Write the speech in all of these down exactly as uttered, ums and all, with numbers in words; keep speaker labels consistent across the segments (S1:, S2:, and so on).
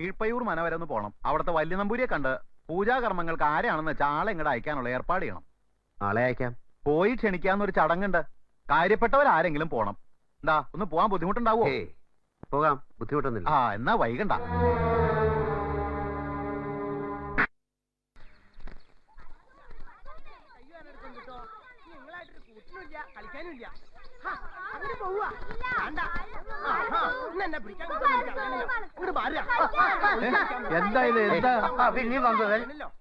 S1: കീഴ്പയ്യൂർ മന വരെ ഒന്ന് പോണം. അവിടുത്തെ വലിയ നമ്പൂരിയെ കണ്ട് പൂജാകർമ്മങ്ങൾക്ക് ആരെയാണെന്ന് വെച്ചാൽ ആളെ ഇങ്ങോട്ട് അയക്കാനുള്ള ഏർപ്പാട് ചെയ്യണം.
S2: ആളെ അയക്കാം.
S1: പോയി ക്ഷണിക്കാന്നൊരു ചടങ്ങുണ്ട്. കാര്യപ്പെട്ടവരാരെങ്കിലും പോണം. എന്താ ഒന്ന് പോവാൻ ബുദ്ധിമുട്ടുണ്ടാവോ?
S2: പോകാം, ബുദ്ധിമുട്ടൊന്നുമില്ല.
S1: ആ എന്നാ വൈകണ്ട.
S3: എന്താ ഇത്? എന്താ പിന്നെ വന്നത്?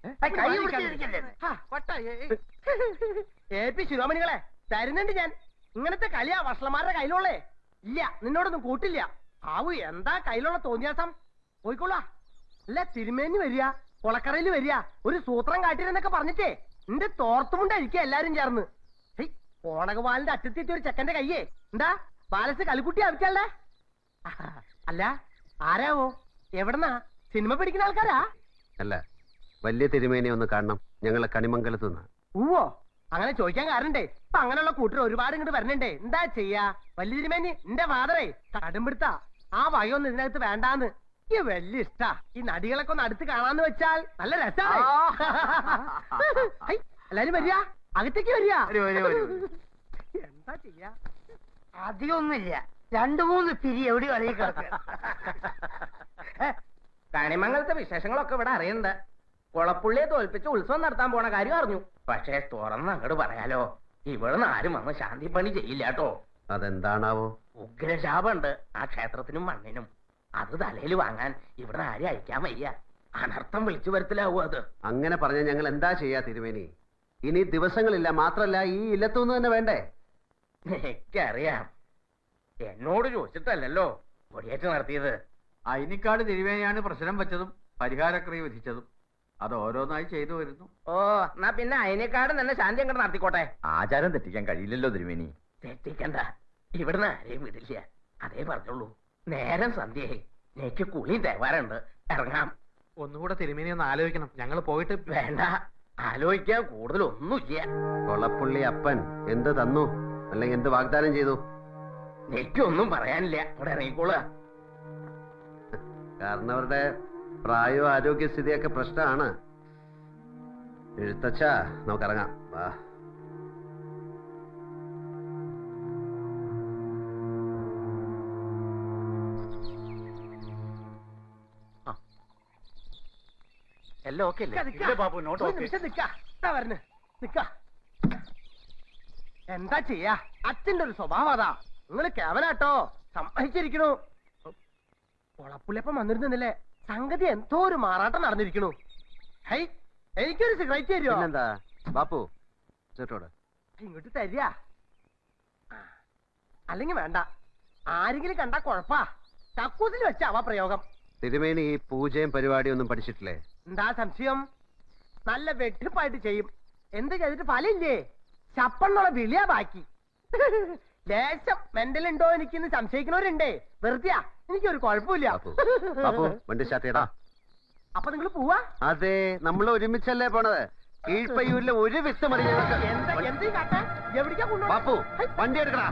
S4: ഏ പി ശിരോമണികളെ തരുന്നുണ്ട് ഞാൻ. ഇങ്ങനത്തെ കളിയാ വഷളന്മാരുടെ കയ്യിലുള്ളേ. ഇല്ല, നിന്നോടൊന്നും കൂട്ടില്ല. ആവു എന്താ കയ്യിലുള്ള തോന്നിയാസം? പോയിക്കോളാ. അല്ല തിരുമേനി വരിക, കൊളക്കറയിൽ വരിക, ഒരു സൂത്രം കാട്ടിരുന്നൊക്കെ പറഞ്ഞിട്ടേ നിന്റെ തോർത്തുമുണ്ടായിരിക്കുക എല്ലാരും ചേർന്ന്. ഓണകവാലിന്റെ അറ്റത്തെത്തി ഒരു ചെക്കന്റെ കയ്യേ എന്താ ബാലസ് കളിക്കുട്ടി ആവശ്യല്ലേ? അല്ല ആരാവോ? എവിടെന്നാ? സിനിമ പിടിക്കുന്ന ആൾക്കാരാ?
S2: അല്ല, വലിയ തിരുമേനി ഒന്ന് കാണണം. ഞങ്ങളെ കണിമംഗലത്ത് നിന്ന്.
S4: ഊവോ, അങ്ങനെ ചോദിക്കാൻ കാരണണ്ടേ. ഇപ്പൊ അങ്ങനെയുള്ള കൂട്ടർ ഒരുപാട് ഇങ്ങോട്ട് വരണണ്ടേ. എന്താ ചെയ്യാ? വലിയ തിരുമേനി എന്റെ ഫാദറേ കടുംപിടുത്ത ആ വകയൊന്നും ഇതിനകത്ത് വേണ്ടാന്ന്. ഈ വലിയ ഇഷ്ടാ. ഈ നടികളൊക്കെ ഒന്ന് അടുത്ത് കാണാന്ന് വെച്ചാൽ നല്ല രസമാണ്. എല്ലാരും വരിക, അകത്തേക്ക് വരിക. എന്താ ചെയ്യാ?
S3: അധികമൊന്നുമില്ല, രണ്ടു മൂന്ന് പിരി എവിടെ കളി കിടക്കുക.
S4: കണിമംഗലത്തെ വിശേഷങ്ങളൊക്കെ ഇവിടെ അറിയണ്ട. കുളപ്പുള്ളിയെ തോൽപ്പിച്ച് ഉത്സവം നടത്താൻ പോണ കാര്യം അറിഞ്ഞു. പക്ഷേ തുറന്ന് അങ്ങോട്ട് പറയാലോ, ഇവിടുന്ന് ആരും വന്ന് ശാന്തി പണി ചെയ്യില്ല കേട്ടോ.
S2: അതെന്താണാവോ?
S4: ഉഗ്രശാപുണ്ട് ആ ക്ഷേത്രത്തിനും മണ്ണിനും. അത് തലയിൽ വാങ്ങാൻ ഇവിടെ ആരും അയക്കാൻ വയ്യ. അനർത്ഥം വിളിച്ചു വരുത്തിലാവൂ അത്.
S2: അങ്ങനെ പറഞ്ഞ ഞങ്ങൾ എന്താ ചെയ്യാ തിരുമേനി? ഇനി ദിവസങ്ങളില്ല. മാത്രല്ല ഈ ഇല്ലത്തുനിന്ന് തന്നെ വേണ്ടേ?
S4: എനിക്കറിയാം, എന്നോട് ചോദിച്ചിട്ടല്ലല്ലോ കൊടിയേറ്റ് നടത്തിയത്.
S3: അയിനിക്കാട് തിരുവേനിയാണ് പ്രശ്നം വെച്ചതും പരിഹാരക്രിയ വിധിച്ചതും. അത് ഓരോന്നായി ചെയ്തു വരുന്നു.
S4: ഓ, എന്നാ പിന്നെ അയിനേക്കാടും തന്നെ ശാന്തി അങ്ങോട്ട് നടത്തിക്കോട്ടെ.
S1: ആചാരം തെറ്റിക്കാൻ കഴിയില്ലല്ലോ തിരുമേനി.
S4: തെറ്റിക്കണ്ട, ഇവിടുന്ന് ആരെയും വിടില്ല. അതേ പറഞ്ഞോളൂ. നേരം സന്ധ്യയായി, എനിക്ക് കുളിയും തേവാറുണ്ട്. ഇറങ്ങാം.
S5: ഒന്നുകൂടെ തിരുമേനി ഒന്ന് ആലോചിക്കണം. ഞങ്ങൾ പോയിട്ട്.
S4: വേണ്ട, ആലോചിക്കാൻ കൂടുതലൊന്നുമില്ല.
S2: കൊളപ്പുള്ളി അപ്പൻ എന്ത് തന്നു, അല്ലെങ്കിൽ എന്ത് വാഗ്ദാനം ചെയ്തു?
S4: എനിക്കൊന്നും പറയാനില്ല. ഇവിടെ ഇറങ്ങിക്കോളുക.
S2: കാരണം അവരുടെ പ്രായവും ആരോഗ്യസ്ഥിതിയൊക്കെ പ്രശ്നമാണ്. എഴുത്തച്ഛ, നമുക്കിറങ്ങാം. വാ.
S4: എല്ലാം ഓക്കെ എന്താ ചെയ്യാ? അച്ഛന്റെ ഒരു സ്വഭാവം അതാ. നിങ്ങള് കേവലാട്ടോ, സമ്മതിച്ചിരിക്കണു. കൊളപ്പുള്ളിയപ്പം വന്നിരുന്നില്ലേ, സംഗതി എന്തോ ഒരു മാറാട്ടം നടന്നിരിക്കണു. ഹൈ, എനിക്കൊരു സിഗരറ്റ് തരുമോ?
S2: എന്താ ബാപ്പു ചേട്ടോട്
S4: ഇങ്ങോട്ട് തരിക. അല്ലെങ്കിൽ വേണ്ട, ആരെങ്കിലും കണ്ടാ കൊഴപ്പാ. കക്കൂസിൽ വെച്ചാവാ പ്രയോഗം.
S2: തിരുമേനി ഈ പൂജയും പരിപാടിയും ഒന്നും പഠിച്ചിട്ടില്ലേ?
S4: എന്താ സംശയം? നല്ല വെട്ടിപ്പായിട്ട് ചെയ്യും. എന്ത് ചെയ്തിട്ട് ഫലമില്ലേ? ചപ്പെന്നുള്ള വിളിയാ ബാക്കി. ലേശം മെന്റലുണ്ടോ എനിക്കിന്ന് സംശയിക്കുന്നവരുണ്ടേ. വെറുതെയാ, എനിക്കൊരു കുഴപ്പമില്ല.
S2: വണ്ടി സ്റ്റാർട്ട് ചെയ്യടാ.
S4: അപ്പൊ നിങ്ങൾ പോവാ?
S2: അതെ, നമ്മൾ ഒരുമിച്ചല്ലേ പോണത്. കീഴ്പയ്യൂരിലെ ഒരു വിത്ത് മതി.
S4: എന്ത് കാട്ടെ? എവിടേക്കാ കൊണ്ടു?
S2: ബാപ്പു, വണ്ടി എടുക്കടാ.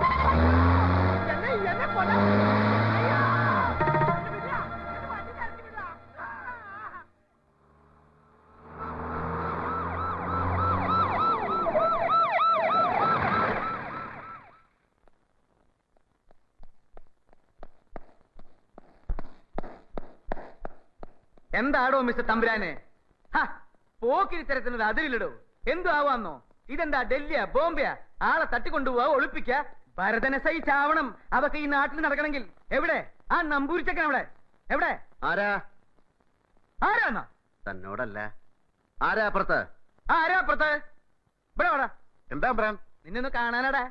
S5: എന്താടോ മിസ്റ്റർ തമ്പുരാനെ, പോക്കിരി തരത്തിനത് അതിരില്ലടോ. എന്തു ആവാന്നോ? ഇതെന്താ ഡൽഹിയാ ബോംബെയാ? ആളെ തട്ടിക്കൊണ്ടുപോവാ, ഒളിപ്പിക്ക. ഭരതനെ സഹിച്ചാവണം അതൊക്കെ ഈ നാട്ടിൽ നടക്കണമെങ്കിൽ. എവിടെ ആ നമ്പൂരിച്ചക്കൻ? അവിടെ എവിടെ?
S2: ആരാ?
S5: ആരാന്നോ?
S2: തന്നോടല്ല, ആരാ അപ്പുറത്ത്?
S5: ആരാ അപ്പുറത്ത്? ഇവിടെ വാടാ.
S1: എന്താ പറയാൻ?
S5: നിന്നൊന്ന് കാണാനാടാ.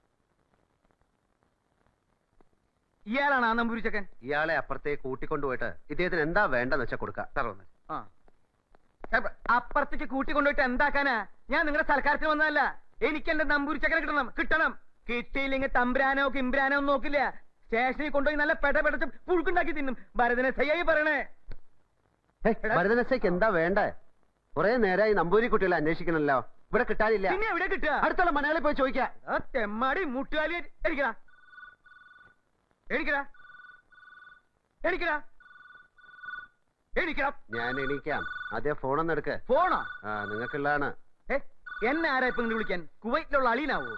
S5: ഇയാളാണ് ആ നമ്പൂരിച്ചക്കൻ.
S2: ഇയാളെ അപ്പുറത്തേക്ക് കൂട്ടിക്കൊണ്ടുപോയിട്ട് ഇദ്ദേഹത്തിന് എന്താ വേണ്ടെന്ന് വെച്ചാൽ കൊടുക്കാം.
S5: ആ, അപ്പുറത്തേക്ക് കൂട്ടിക്കൊണ്ടുപോയിട്ട് എന്താക്കാനാ? ഞാൻ നിങ്ങളുടെ സൽക്കാരത്തിന് വന്നതല്ല. എനിക്ക് എന്റെ നമ്പൂരിച്ചക്കനെ കിട്ടണം. കിട്ടണം. കിട്ടിയില്ലെങ്കിൽ തമ്പ്രാനോ കിമ്പ്രാനോ ഒന്നും നോക്കില്ല. സ്റ്റേഷനിൽ കൊണ്ടുപോയി നല്ല പെട പെടച്ച് പുഴുക്കുണ്ടാക്കി തിന്നും. ഭരതനെ സയ്യായി പറയണേ.
S2: ഭരതനസയ്ക്ക് എന്താ വേണ്ടേ? കുറെ നേരമായി നമ്പൂരി കുട്ടികളെ അന്വേഷിക്കണല്ലോ. ഇവിടെ കിട്ടാനില്ല.
S5: പിന്നെ എവിടെ കിട്ടുക?
S2: അടുത്തുള്ള മലയാളി പോയി ചോദിക്കാം.
S5: തെമ്മാടി മുട്ടുകാലി എനിക്കടാ. എനിക്കടാ എനിക്കടാ എണീക്കണം.
S2: ഞാൻ എണീക്കാം. ആദ്യം ഫോണൊന്നും എടുക്ക്.
S5: ഫോണോ?
S2: ആ നിങ്ങൾക്കുള്ളതാണ്.
S5: ഏ എന്നെ ആരാ ഇപ്പൊ ഇങ്ങോട്ട് വിളിക്കാൻ? കുവൈറ്റിലുള്ള അളീനാവോ?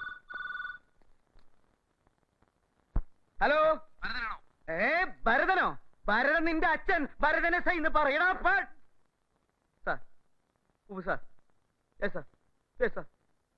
S5: ഹലോ, ഏ ഭരതനോ? ഭരതൻ നിന്റെ അച്ഛൻ ഭരതനെ സൈ എന്ന് പറയണ. സാർ ഉവ്വ് sir. Yes sir, yes sir.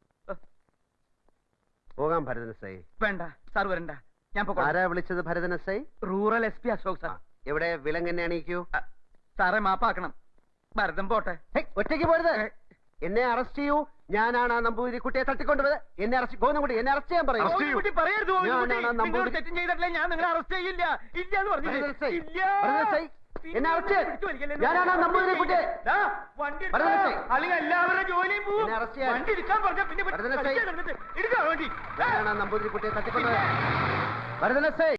S2: പോകാം ഭരതൻ എസ് ഐ.
S5: വേണ്ട സാർ, വരണ്ട, ഞാൻ പൊക്കോളാം.
S2: ആരാ വിളിച്ചത് Bharathan S I?
S5: Rural S P Ashok
S2: ആ,
S5: സാർ.
S2: എവിടെ വിലങ്ങനെ എണീക്കൂ.
S5: അ, സാറേ മാപ്പാക്കണം. ഭരതൻ പോട്ടെ.
S2: ഹേയ്, ഒറ്റയ്ക്ക് പോരുത്. എന്നെ അറസ്റ്റ് ചെയ്യൂ. ഞാനാണ് ആ നമ്പൂതിരി കുട്ടിയെ തട്ടിക്കൊണ്ടുപോയത്. എന്നെ അറസ്റ്റ് ഗോവിന്ദൻകുട്ടി എന്നെ അറസ്റ്റ് ചെയ്യാൻ പറയൂ.
S5: ഗോവിന്ദൻകുട്ടി പറയരുത്, ഗോവിന്ദൻകുട്ടി.
S2: ഞാനാണ്
S5: നിങ്ങൾ
S2: നമ്പൂതിരി-
S5: തെറ്റും ചെയ്തിട്ടില്ല, ഞാൻ നിങ്ങളെ അറസ്റ്റ് ചെയ്യില്ല. ഇല്ല എന്ന്
S2: ഭരതൻ എസ് ഐ,
S5: പറഞ്ഞില്ലേ? ഇല്ല.
S2: ഭരതൻ എസ് ഐ, എന്നെ അറസ്റ്റ് ചെയ്യ്.
S5: പിടിച്ചു വലിക്കല്ലേ?
S2: ഞാനാണ് ആ നമ്പൂതിരി കുട്ടിയെ.
S5: ദാ, വണ്ടി
S2: ഭരതൻ എസ് ഐ.
S5: എടുത്തോ. അല്ലെങ്കിൽ എല്ലാവരുടെ ജോലിയും പോവും.
S2: എന്നെ അറസ്റ്റ് ചെയ്യാൻ.
S5: വണ്ടി എടുക്കാൻ പറഞ്ഞാ പിന്നെ
S2: ഭരതൻ എസ് ഐ.
S5: എടുക്കാൻ വണ്ടി.
S2: ഞാനാണ് ആ നമ്പൂതിരി കുട്ടിയെ തട്ടിക്കൊണ്ടുപോയത്. Bharathan S I.